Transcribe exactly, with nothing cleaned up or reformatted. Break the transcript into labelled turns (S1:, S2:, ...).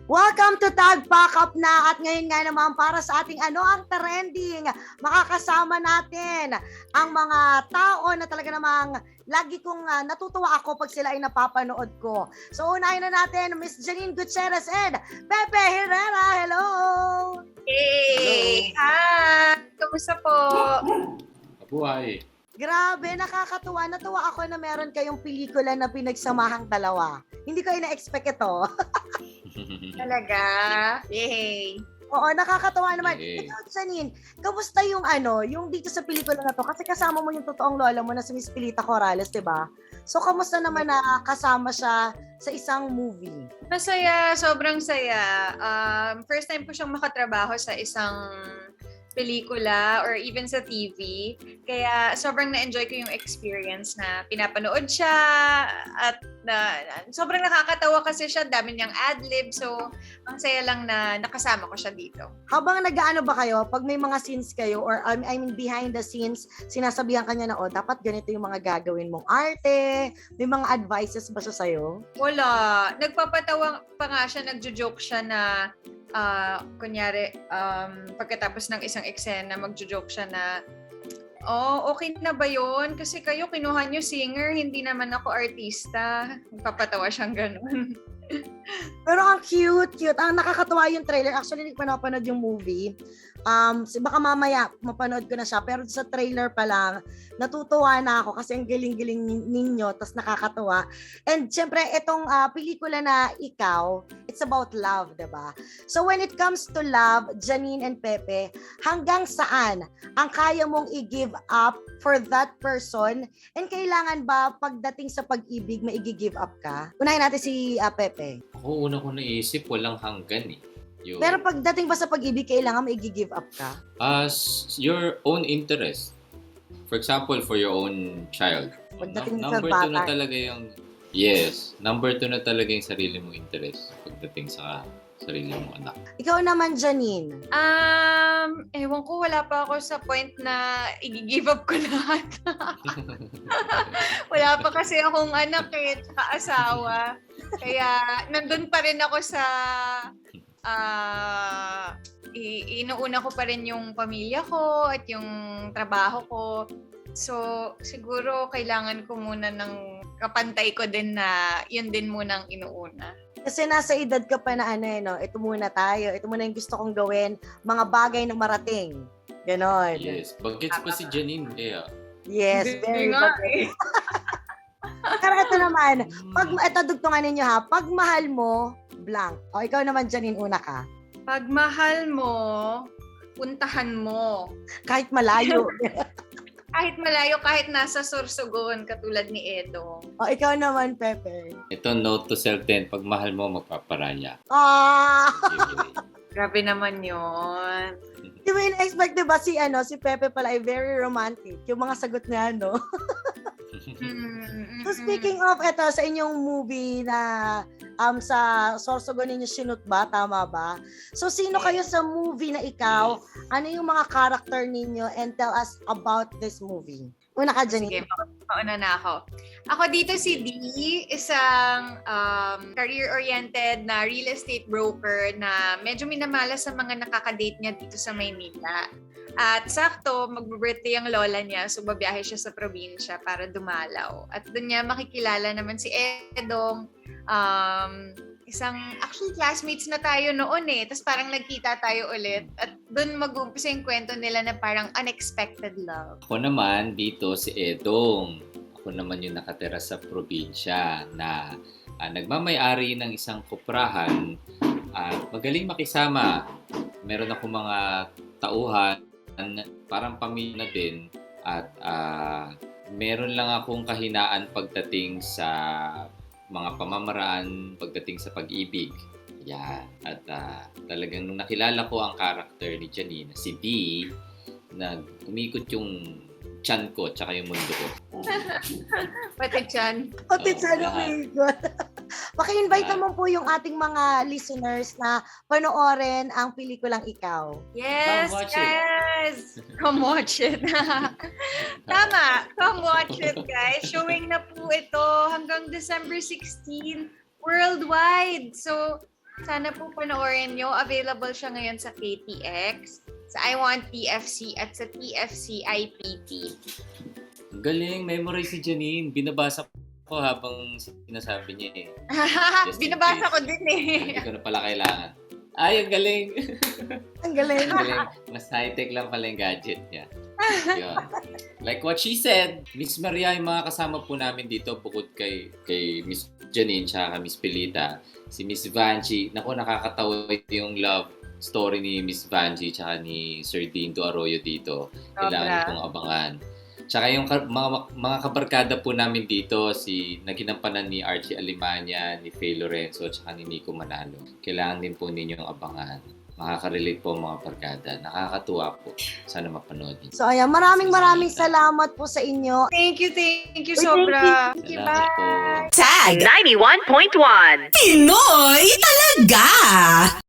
S1: Welcome to Tag Pack Up na, at ngayon nga naman para sa ating ano ang trending, makakasama natin ang mga tao na talaga namang lagi kong uh, natutuwa ako pag sila ay napapanood ko. So unahin na natin Miss Janine Gutierrez and Pepe Herrera. Hello!
S2: Hey! Hi! Kamusta po?
S3: Mabuhay!
S1: Grabe, nakakatuwa. Natuwa ako na meron kayong pelikula na pinagsamahang dalawa. Hindi ko ina-expect ito.
S2: Talaga? Yay!
S1: Oo, nakakatawa naman.
S3: Okay.
S1: Ikaw, Janine, kamusta yung ano, yung dito sa pelikula na to? Kasi kasama mo yung totoong lola mo na si Miss Pilita Corrales, di ba? So, kamusta naman na kasama siya sa isang movie?
S2: Masaya, sobrang saya. Um, first time ko siyang makatrabaho sa isang pelikula or even sa T V. Kaya sobrang na-enjoy ko yung experience na pinapanood siya at na, sobrang nakakatawa kasi siya, dami niyang ad-lib. So, ang saya lang na nakasama ko siya dito.
S1: Habang nag-aano ba kayo, pag may mga scenes kayo or um, I mean behind the scenes, sinasabihan kanya na, oh, dapat ganito yung mga gagawin mong arte, may mga advices ba siya sa'yo?
S2: Wala. Nagpapatawa pa nga siya, nagjo-joke siya na Uh, kunyari, um, pagkatapos ng isang eksena, magjo-joke siya na, oh, okay na ba yun? Kasi kayo, kinuha nyo singer, hindi naman ako artista. Nagpapatawa siyang ganun.
S1: Pero ang cute, cute. Ang nakakatuwa yung trailer. Actually, hindi ko pa napanood yung movie. Um, baka mamaya mapanood ko na siya. Pero sa trailer pa lang, natutuwa na ako kasi ang galing-galing ninyo, tas nakakatuwa. And syempre, itong uh, pelikula na Ikaw, it's about love, diba? So when it comes to love, Janine and Pepe, hanggang saan ang kaya mong i-give up for that person? And kailangan ba pagdating sa pag-ibig, mai-give up ka? Unahin natin si uh, Pepe.
S3: Ako una ko naisip, walang hanggan eh. Yung,
S1: Pero pagdating ba sa pag-ibig, kailangan mai-give up ka?
S3: as your own interest. For example, for your own child.
S1: Pagdating
S3: Num-
S1: sa
S3: number two na
S1: bata.
S3: talaga yung, yes, number two na talaga yung sarili mong interest pagdating sa sarili mong anak.
S1: Ikaw naman, Janine.
S2: Um, ewan ko, wala pa ako sa point na i-give up ko lahat. Wala pa kasi akong anak eh, tsaka asawa. Kaya nandun pa rin ako sa uh, i- inuuna ko pa rin yung pamilya ko at yung trabaho ko. So, siguro kailangan ko muna ng kapantay ko din na yun din munang inuuna.
S1: Kasi nasa edad ka pa na ano eh, no? Ito muna tayo. Ito muna yung gusto kong gawin. Mga bagay na marating. Ganon.
S3: Yes, bagets pa si Janine. Kaya,
S1: Yes,
S2: Hindi
S1: very
S2: nga
S1: bagay.
S2: eh.
S1: Pero ito naman, pag, ito dugtungan ninyo ha, pag mahal mo, blank. O ikaw naman, Janine, una ka.
S2: Pag mahal mo, puntahan mo.
S1: Kahit malayo.
S2: Kahit malayo, kahit nasa Sorsogon, katulad ni Edong.
S1: O ikaw naman, Pepe.
S3: ito note to self din, pag mahal mo, magpaparaya.
S1: Ah!
S2: Grabe naman yun.
S1: Di ba in-expect, diba, si, ano, si Pepe pala ay very romantic. Yung mga sagot niya, no?
S2: Mm-mm.
S1: So speaking of ito sa inyong movie na um sa Sorsogon ninyo sinut ba, tama ba? So sino kayo sa movie na Ikaw? Ano yung mga character ninyo and tell us about this movie? Una ka, Janine.
S2: Sige, mauna na ako. Ako dito si D, isang um, career-oriented na real estate broker na medyo minamalas sa mga nakakadate niya dito sa Maynila. At sakto, mag-birthday ang lola niya, so babiyahe siya sa probinsya para dumalaw. At doon niya makikilala naman si Edong, um, isang, actually classmates na tayo noon eh, tapos parang nagkita tayo ulit. At doon mag-uumpisa yung kwento nila na parang unexpected love.
S3: Ako naman, dito si Edong. Ako naman yung nakatira sa probinsya na uh, nagmamay-ari ng isang kuprahan at magaling makisama. Meron ako mga tauhan, parang pamilya na din at uh, meron lang akong kahinaan pagdating sa mga pamamaraan, pagdating sa pag-ibig. Yan. At uh, talagang nung nakilala ko ang karakter ni Janine, si D, nag-umikot yung tiyan ko tsaka yung mundo ko.
S2: Pati Chan.
S1: Pati
S3: Oo,
S1: sa
S3: lahat.
S1: Lumigot. Paki-invite
S3: Lahat.
S1: naman po yung ating mga listeners na panoorin ang pelikulang Ikaw.
S2: Yes,
S3: Come watch it.
S2: yes! Come watch it. Tama, come watch it guys. Showing na po ito hanggang December sixteenth worldwide. So, Sana po panoorin nyo. Available siya ngayon sa K T X, sa I Want T F C, at sa T F C I P T.
S3: Galing, memory si Janine. Binabasa ko habang sinasabi niya eh. Just in
S2: Binabasa
S3: case.
S2: ko din eh.
S3: Hindi ko na pala kailangan. Ay, ang galing.
S1: Ang galing.
S3: Ang galing. Mas high-tech lang pala yung gadget niya. Yun. Like what she said, Miss Maria, yung mga kasama po namin dito, bukod kay, kay Miss Janine tsaka Miss Pilita, si Miss Vanji, naku, nakakatawa yung love story ni Miss Vanji tsaka ni Sir Dindo Arroyo dito. Kailangan
S2: Sobra.
S3: pong abangan. Tsaka yung ka- mga, mga kabarkada po namin dito, si naginampanan ni Archie Alimanya, ni Faye Lorenzo, tsaka ni Nico Manalo. Kailangan din po ninyong abangan. Makaka-relate po ang mga barkada. Nakakatuwa po. Sana mapanood niyo.
S1: So ayan, maraming maraming salamat po sa inyo.
S2: Thank you, thank you,
S1: Uy,
S2: sobra.
S1: thank
S2: Thank you,
S3: Salamat po.
S2: bye.
S4: Tag ninety-one point one. Pinoy talaga!